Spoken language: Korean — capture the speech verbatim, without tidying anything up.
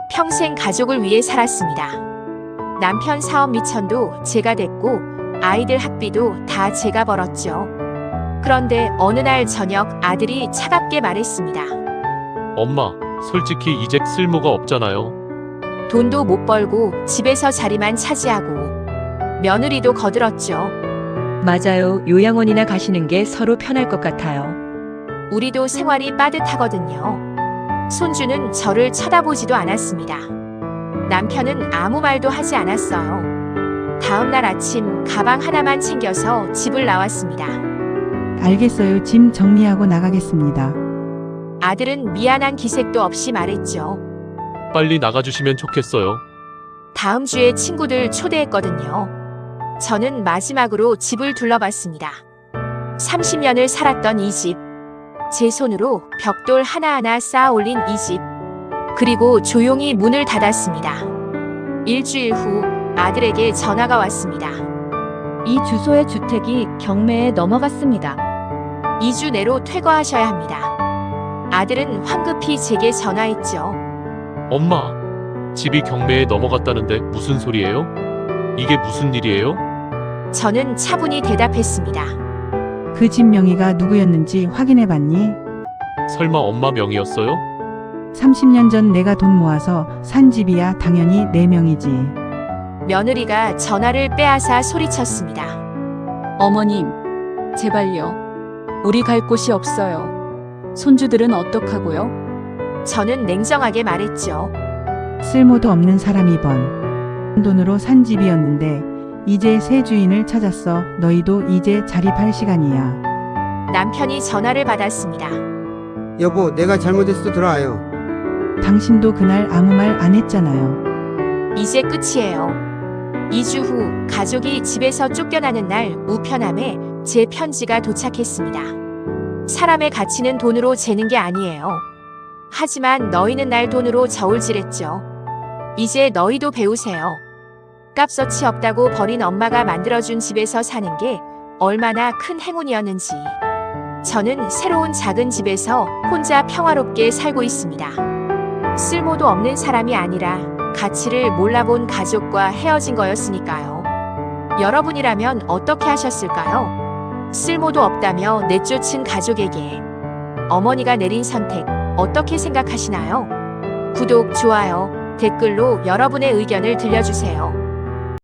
평생 가족을 위해 살았습니다. 남편 사업 미천도 제가 됐고 아이들 학비도 다 제가 벌었죠. 그런데 어느 날 저녁 아들이 차갑게 말했습니다. 엄마, 솔직히 이제 쓸모가 없잖아요. 돈도 못 벌고 집에서 자리만 차지하고 며느리도 거들었죠. 맞아요. 요양원이나 가시는 게 서로 편할 것 같아요. 우리도 생활이 빠듯하거든요. 손주는 저를 쳐다보지도 않았습니다. 남편은 아무 말도 하지 않았어요. 다음 날 아침 가방 하나만 챙겨서 집을 나왔습니다. 알겠어요. 짐 정리하고 나가겠습니다. 아들은 미안한 기색도 없이 말했죠. 빨리 나가주시면 좋겠어요. 다음 주에 친구들 초대했거든요. 저는 마지막으로 집을 둘러봤습니다. 삼십 년을 살았던 이 집. 제 손으로 벽돌 하나하나 쌓아 올린 이 집. 그리고 조용히 문을 닫았습니다. 일주일 후 아들에게 전화가 왔습니다. 이 주소의 주택이 경매에 넘어갔습니다. 이 주 내로 퇴거하셔야 합니다. 아들은 황급히 제게 전화했죠. 엄마, 집이 경매에 넘어갔다는데 무슨 소리예요? 이게 무슨 일이에요? 저는 차분히 대답했습니다. 그 집 명의가 누구였는지 확인해 봤니? 설마 엄마 명의였어요? 삼십 년 전 내가 돈 모아서 산 집이야. 당연히 내 명이지. 며느리가 전화를 빼앗아 소리쳤습니다. 어머님, 제발요. 우리 갈 곳이 없어요. 손주들은 어떡하고요? 저는 냉정하게 말했죠. 쓸모도 없는 사람이 번 돈으로 산 집이었는데 이제 새 주인을 찾았어. 너희도 이제 자립할 시간이야. 남편이 전화를 받았습니다. 여보, 내가 잘못했어. 들어와요. 당신도 그날 아무 말 안 했잖아요. 이제 끝이에요. 이 주 후 가족이 집에서 쫓겨나는 날 우편함에 제 편지가 도착했습니다. 사람의 가치는 돈으로 재는 게 아니에요. 하지만 너희는 날 돈으로 저울질했죠. 이제 너희도 배우세요. 값어치 없다고 버린 엄마가 만들어준 집에서 사는 게 얼마나 큰 행운이었는지. 저는 새로운 작은 집에서 혼자 평화롭게 살고 있습니다. 쓸모도 없는 사람이 아니라 가치를 몰라본 가족과 헤어진 거였으니까요. 여러분이라면 어떻게 하셨을까요? 쓸모도 없다며 내쫓은 가족에게 어머니가 내린 선택 어떻게 생각하시나요? 구독, 좋아요, 댓글로 여러분의 의견을 들려주세요.